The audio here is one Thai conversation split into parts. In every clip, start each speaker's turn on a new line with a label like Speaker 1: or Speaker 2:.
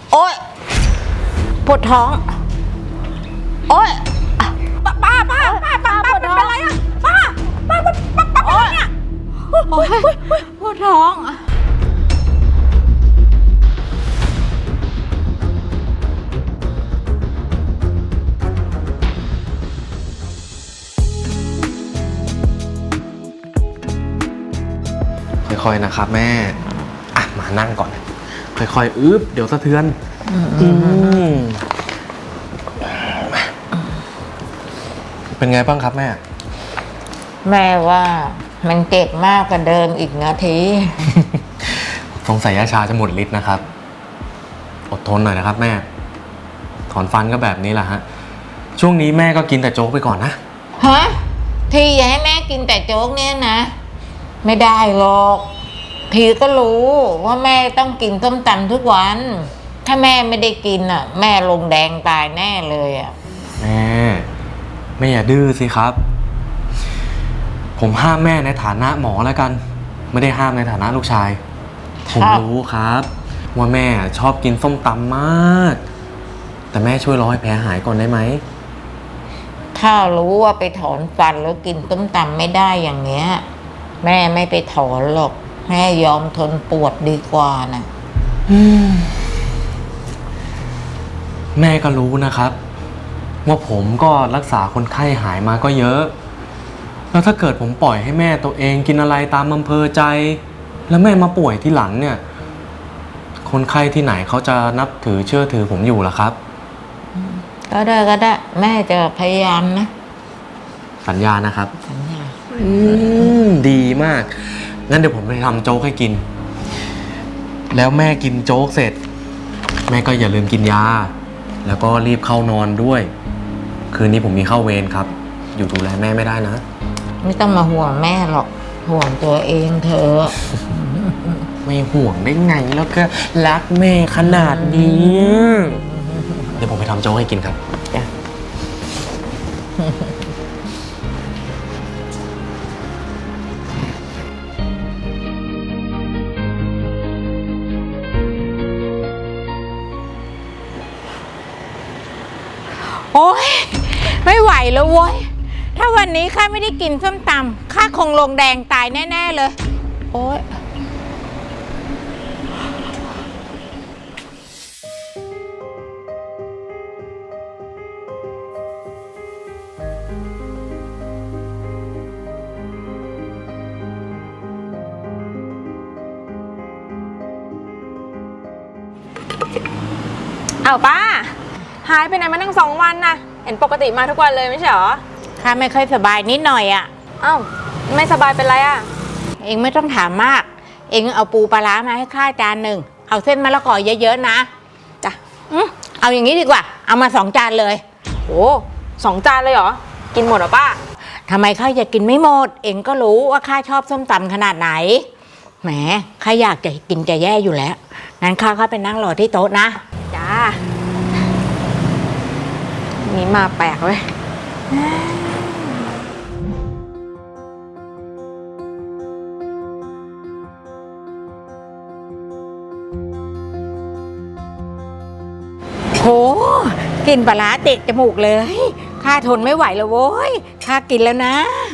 Speaker 1: โอ๊ยปวดท้องโอ๊ยป้าเป็นไรอะป้าโอ๊ยเนี่ยโอ๊ยปวดท้อง
Speaker 2: ค่อยๆนะครับแม่มานั่งก่อนค่อยๆเดี๋ยวสะเทือนเป็นไงบ้างครับแม่
Speaker 1: ว่ามันเจ็บมากกว่าเดิมอีกนาที
Speaker 2: สงสัยยาชาจะหมดฤทธิ์นะครับอดทนหน่อยนะครับแม่ถอนฟันก็แบบนี้แหละฮะช่วงนี้แม่ก็กินแต่โจ๊กไปก่อนนะ
Speaker 1: ฮะที่อยากให้แม่กินแต่โจ๊กเนี่ยนะไม่ได้หรอกทีก็รู้ว่าแม่ต้องกินส้มตำทุกวันถ้าแม่ไม่ได้กินอ่ะแม่ลงแดงตายแน่เลยอ่ะ
Speaker 2: แม่อย่าดื้อสิครับผมห้ามแม่ในฐานะหมอแล้วกันไม่ได้ห้ามในฐานะลูกชายผมรู้ครับว่าแม่ชอบกินส้มตำมากแต่แม่ช่วยรอให้แผลหายก่อนได้ไหม
Speaker 1: ถ้ารู้ว่าไปถอนฟันแล้วกินส้มตำไม่ได้อย่างเงี้ยแม่ไม่ไปถอนหรอกแม่ยอมทนปวดดีกว่านะ
Speaker 2: แม่ก็รู้นะครับว่าผมก็รักษาคนไข้หายมาก็เยอะแล้วถ้าเกิดผมปล่อยให้แม่ตัวเองกินอะไรตามอำเภอใจแล้วแม่มาป่วยที่หลังเนี่ยคนไข้ที่ไหนเขาจะนับถือเชื่อถือผมอยู่ล่ะครับ
Speaker 1: ก็ได้แม่จะพยายามนะ
Speaker 2: สัญญานะครับ
Speaker 1: สัญญา
Speaker 2: ดีมากงั้นเดี๋ยวผมไปทำโจ๊กให้กินแล้วแม่กินโจ๊กเสร็จแม่ก็อย่าลืมกินยาแล้วก็รีบเข้านอนด้วยคืนนี้ผมมีเข้าเวรครับอยู่ดูแลแม่ไม่ได้นะ
Speaker 1: ไม่ต้องมาห่วงแม่หรอกห่วงตัวเองเธอ
Speaker 2: ไม่ห่วงได้ไงแล้วก็รักแม่ขนาดนี้เดี๋ยวผมไปทำโจ๊กให้กินครับ
Speaker 1: จ้ะโอ๊ยไม่ไหวแล้วเว้ยถ้าวันนี้ข้าไม่ได้กินส้มตำข้าคงลงแดงตายแน่ๆเลยโอ๊ย
Speaker 3: อ้าวป้าหายไปไหนมาตั้ง2 วันนะเห็นปกติมาทุกวันเลยไม่ใช่หรอ
Speaker 1: ข้าไม่ค่อยสบายนิดหน่อยอ่ะ
Speaker 3: อ้าวไม่สบายเป็นไรอ่ะ
Speaker 1: เองไม่ต้องถามมากเองเอาปูปลาร้ามาให้ข้าจานหนึ่งเอาเส้นมะละกอเยอะๆนะ
Speaker 3: จ้ะ
Speaker 1: เอาอย่างนี้ดีกว่าเอามา2 จานเลย
Speaker 3: โอ้2 จานเลยเหรอกินหมดเหรอป้า
Speaker 1: ทำไมข้าอยากกินไม่หมดเองก็รู้ว่าข้าชอบส้มตำขนาดไหนแหมข้าอยากจะกินจะแย่อยู่แล้วงั้นข้าไปนั่งรอที่โต๊ะนะ
Speaker 3: จ้านี่มาแปลกเว้ย
Speaker 1: โหกลิ่นปลาร้าเตะจมูกเลยข้าทนไม่ไหวแล้วโว้ยข้ากินแล้วนะ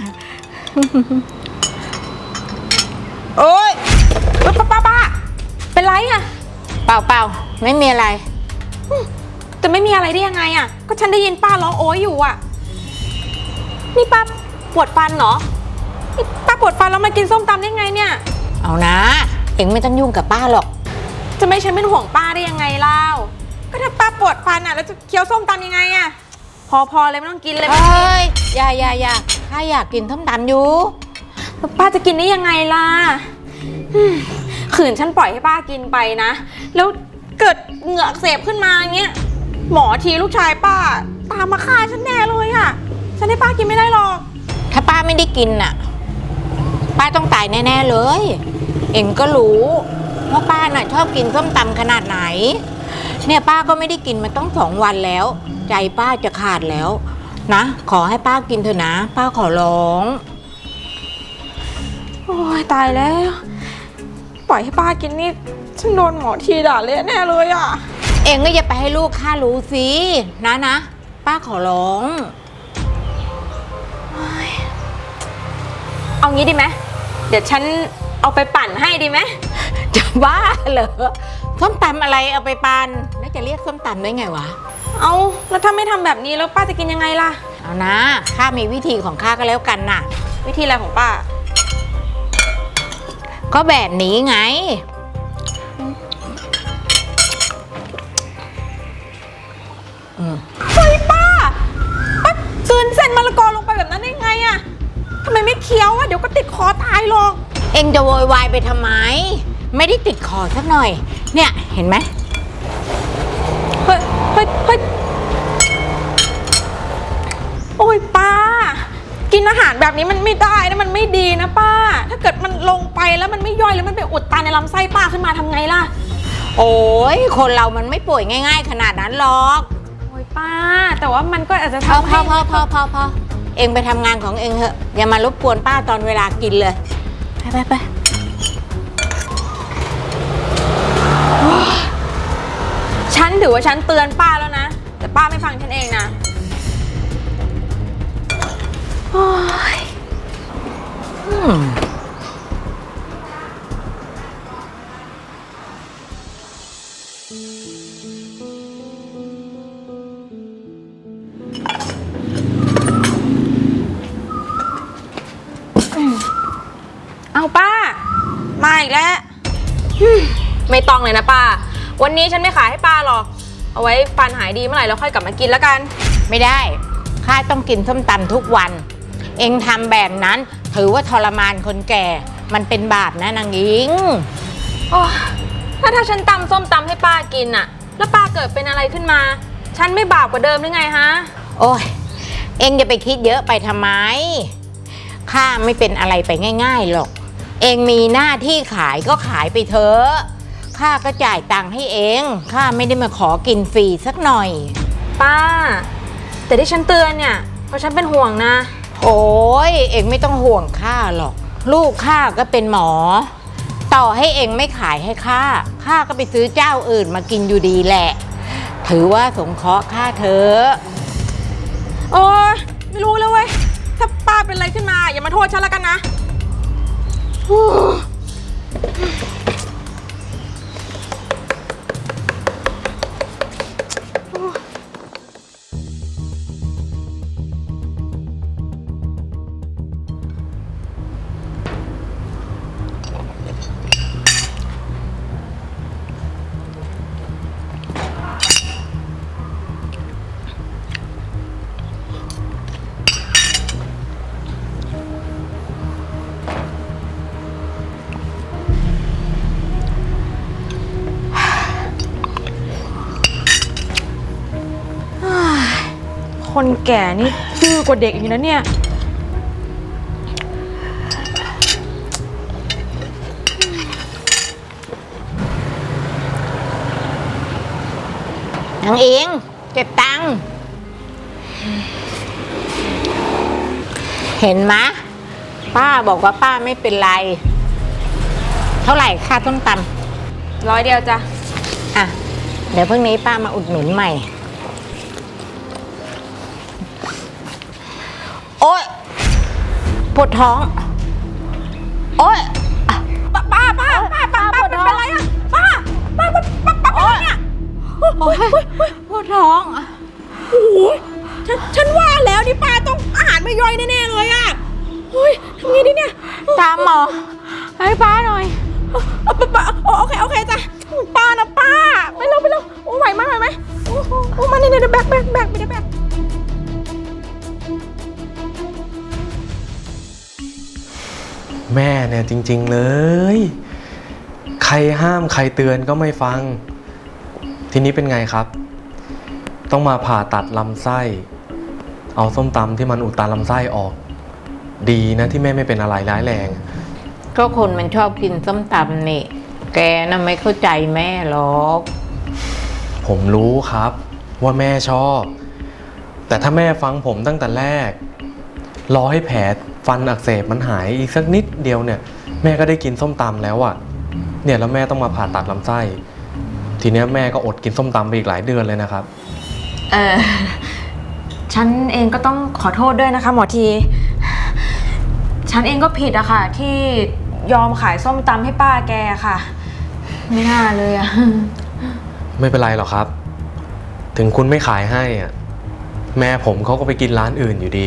Speaker 1: โอ๊ย
Speaker 3: ป้าเป็นไรอะ
Speaker 1: เปล่าไม่มีอะไร
Speaker 3: จะไม่มีอะไรได้ยังไงอะก็ฉันได้ยินป้าร้องโอ๊ยอยู่อะนี่ป้าปวดฟันเหรอป้าปวดฟันแล้วมากินส้มตำได้ไงเนี่ย
Speaker 1: เอานะเอ็งไม่ต้องยุ่งกับป้าหรอก
Speaker 3: จะไม่ฉันเป็นห่วงป้าได้ยังไงเล่าก็ถ้าป้าปวดฟันอะแล้วจะเคี้ยวส้มตำยังไงอะพอเลยไม่ต้องกินเลย
Speaker 1: เฮ้ยอย่าข้าอยากกินส้มตำอยู่
Speaker 3: ป้าจะกินได้ยังไงล่ะขืนฉันปล่อยให้ป้ากินไปนะแล้วเกิดเหงือกเสพขึ้นมาอย่างเงี้ยหมอทีลูกชายป้าตามมาฆ่าฉันแน่เลยอะฉันให้ป้ากินไม่ได้หรอก
Speaker 1: ถ้าป้าไม่ได้กินน่ะป้าต้องตายแน่ๆเลยเอ็งก็รู้ว่าป้าน่ะชอบกินส้มตำขนาดไหนเนี่ยป้าก็ไม่ได้กินมาต้อง2 วันแล้วใจป้าจะขาดแล้วนะขอให้ป้ากินเถอะนะป้าขอร้อง
Speaker 3: โอ้ยตายแล้วปล่อยให้ป้ากินนี่ฉันโดนหมอทีด่าเละแน่เลยอ่ะ
Speaker 1: เองก็อย่าไปให้ลูกข้ารู้สินะป้าขอร้อง
Speaker 3: เอางี้ดีไหมเดี๋ยวฉันเอาไปปั่นให้ดีไหม
Speaker 1: จะบ้าเหรอส้มตำอะไรเอาไปปันแล้วจะเรียกส้มตำได้ไงวะ
Speaker 3: เอาแล้วถ้าไม่ทำแบบนี้แล้วป้าจะกินยังไงล่ะ
Speaker 1: เอานะข้ามีวิธีของข้าก็แล้วกันน่ะ
Speaker 3: วิธีอะไรของป้า
Speaker 1: ก็แบบนี้ไง
Speaker 3: เฮ้ยป้ากลืนเส้นมะละกอลงไปแบบนั้นได้ไงอะทำไมไม่เคี้ยวอะเดี๋ยวก็ติดคอตายหรอก
Speaker 1: เองจะโวยวายไปทำไม ไม่ได้ติดคอสักหน่อย เนี่ยเห็นไหม
Speaker 3: เฮ้ยโอ้ยป้า กินอาหารแบบนี้มันไม่ได้นะมันไม่ดีนะป้า ถ้าเกิดมันลงไปแล้วมันไม่ย่อยแล้วมันไปอุดตันในลำไส้ป้าขึ้นมาทำไงล่ะ
Speaker 1: โอ้ยคนเรามันไม่ป่วยง่ายๆขนาดนั้นหรอก
Speaker 3: โอ้ยป้า แต่ว่ามันก็อาจจะ
Speaker 1: พอ
Speaker 3: ทำให้
Speaker 1: พอเองไปทำงานของเองเถอะอย่ามารบกวนป้าตอนเวลากินเลยไป
Speaker 3: ฉันถือว่าฉันเตือนป้าแล้วนะ แต่ป้าไม่ฟังฉันเองนะโอ้ย เอาป้า มาอีกแล้วไม่ต้องเลยนะป้า วันนี้ฉันไม่ขายให้ป้าหรอก เอาไว้ฟันหายดีเมื่อไหร่แล้วค่อยกลับมากินแล้วกัน
Speaker 1: ไม่ได้ข้าต้องกินส้มตำทุกวัน เองทำแบบนั้นถือว่าทรมานคนแก่ มันเป็นบาปนะนางอิง
Speaker 3: โอ้ถ้าฉันตำส้มตำให้ป้ากินอะแล้วป้าเกิดเป็นอะไรขึ้นมา ฉันไม่บาปกว่าเดิมหรือไงฮะ
Speaker 1: โอ้ยเองจะไปคิดเยอะไปทำไมข้าไม่เป็นอะไรไปง่ายๆหรอก เองมีหน้าที่ขายก็ขายไปเถอะข้าก็จ่ายตังค์ให้เองข้าไม่ได้มาขอกินฟรีสักหน่อย
Speaker 3: ป้า แต่ที่ฉันเตือนเนี่ยเพราะฉันเป็นห่วงนะ
Speaker 1: โอ้ยเองไม่ต้องห่วงข้าหรอก ลูกข้าก็เป็นหมอ ต่อให้เองไม่ขายให้ข้าก็ไปซื้อเจ้าอื่นมากินอยู่ดีแหละ ถือว่าสงเคราะห์ข้าเถอะ
Speaker 3: โอ้ยไม่รู้แล้วเว้ย ถ้าป้าเป็นอะไรขึ้นมาอย่ามาโทษฉันแล้วกันนะ คนแก่นี่ดื้อกว่าเด็กอีกนะเนี่ย
Speaker 1: นางเองเก็บตังค์เห็นไหมป้าบอกว่าป้าไม่เป็นไร เท่าไหร่ค่าต้มตำ
Speaker 3: 100 เดียวจ้ะ
Speaker 1: อ่ะ เดี๋ยวพรุ่งนี้ป้ามาอุดหนุนใหม่ โอ๊ยปวดท้อง โอ๊ย
Speaker 3: ป้าเป็นอะไรอะป้าเป็นอะไรเนี่ย
Speaker 1: โอ๊ยปวดท้อง
Speaker 3: โอ้โหฉันว่าแล้วนี่ป้าต้องอาหารไม่ย่อยแน่ๆเลยอะเฮ้ยทำไงดีเนี่ย
Speaker 1: ตามหมอ ให้ป้าหน่อย
Speaker 3: ป้าโอเคจ้ะป้านะป้าไปเร็วโอ้ไหวไหมโอ้มาเนี่ยแบกไม่ได้แบก
Speaker 2: แม่เนี่ยจริงๆเลย ใครห้ามใครเตือนก็ไม่ฟัง ทีนี้เป็นไงครับ ต้องมาผ่าตัดลำไส้ เอาส้มตำที่มันอุดตันลำไส้ออก ดีนะที่แม่ไม่เป็นอะไรร้ายแรง
Speaker 1: ก็คนมันชอบกินส้มตำนี่ แกน่ะไม่เข้าใจแม่หรอก
Speaker 2: ผมรู้ครับว่าแม่ชอบ แต่ถ้าแม่ฟังผมตั้งแต่แรก รอให้แผลฟันอักเสบมันหายอีกสักนิดเดียวเนี่ย แม่ก็ได้กินส้มตำแล้วอะเนี่ยแล้วแม่ต้องมาผ่าตัดลำไส้ ททีเนี้ยแม่ก็อดกินส้มตำไปอีกหลายเดือนเลยนะครับ
Speaker 3: ฉันเองก็ต้องขอโทษด้วยนะคะหมอที ฉันเองก็ผิดอะค่ะ ที่ยอมขายส้มตำให้ป้าแกค่ะ ไม่น่าเลยอะ
Speaker 2: ไม่เป็นไรหรอกครับ ถึงคุณไม่ขายให้อะแม่ผมเขาก็ไปกินร้านอื่นอยู่ดี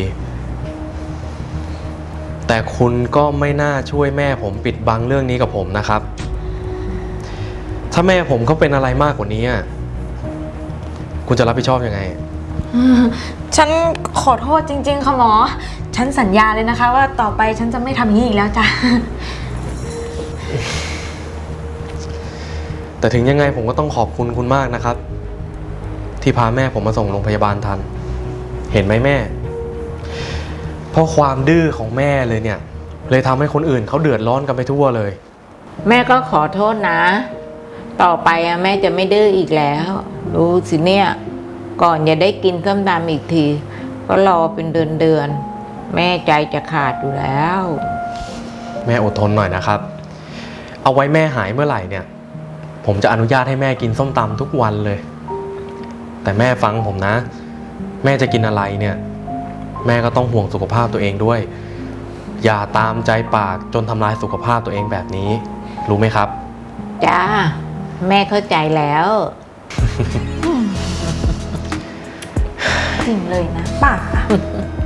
Speaker 2: แต่คุณก็ไม่น่าช่วยแม่ผมปิดบังเรื่องนี้กับผมนะครับ ถ้าแม่ผมเขาเป็นอะไรมากกว่านี้อะคุณจะรับผิดชอบยังไง
Speaker 3: ฉันขอโทษจริงๆค่ะหมอ ฉันสัญญาเลยนะคะ ว่าต่อไปฉันจะไม่ทำอย่างนี้อีกแล้วจ้ะ
Speaker 2: แต่ถึงยังไงผมก็ต้องขอบคุณคุณมากนะครับ ที่พาแม่ผมมาส่งโรงพยาบาลทัน เห็นไหมแม่ เพราะความดื้อของแม่เลยเนี่ย เลยทำให้คนอื่นเขาเดือดร้อนกันไปทั่วเลย
Speaker 1: แม่ก็ขอโทษนะ ต่อไปอะแม่จะไม่ดื้ออีกแล้วดูสิเนี่ย ก่อนจะได้กินส้มตำอีกที ก็รอเป็นเดือนแม่ใจจะขาดอยู่แล้ว
Speaker 2: แม่อดทนหน่อยนะครับ เอาไว้แม่หายเมื่อไหร่เนี่ย ผมจะอนุญาตให้แม่กินส้มตำทุกวันเลย แต่แม่ฟังผมนะ แม่จะกินอะไรเนี่ย แม่ก็ต้องห่วงสุขภาพตัวเองด้วย อย่าตามใจปากจนทำลายสุขภาพตัวเองแบบนี้ รู้ไหมครับ
Speaker 1: จ้า แม่เข้าใจแล้ว
Speaker 3: จริงเลยนะป้า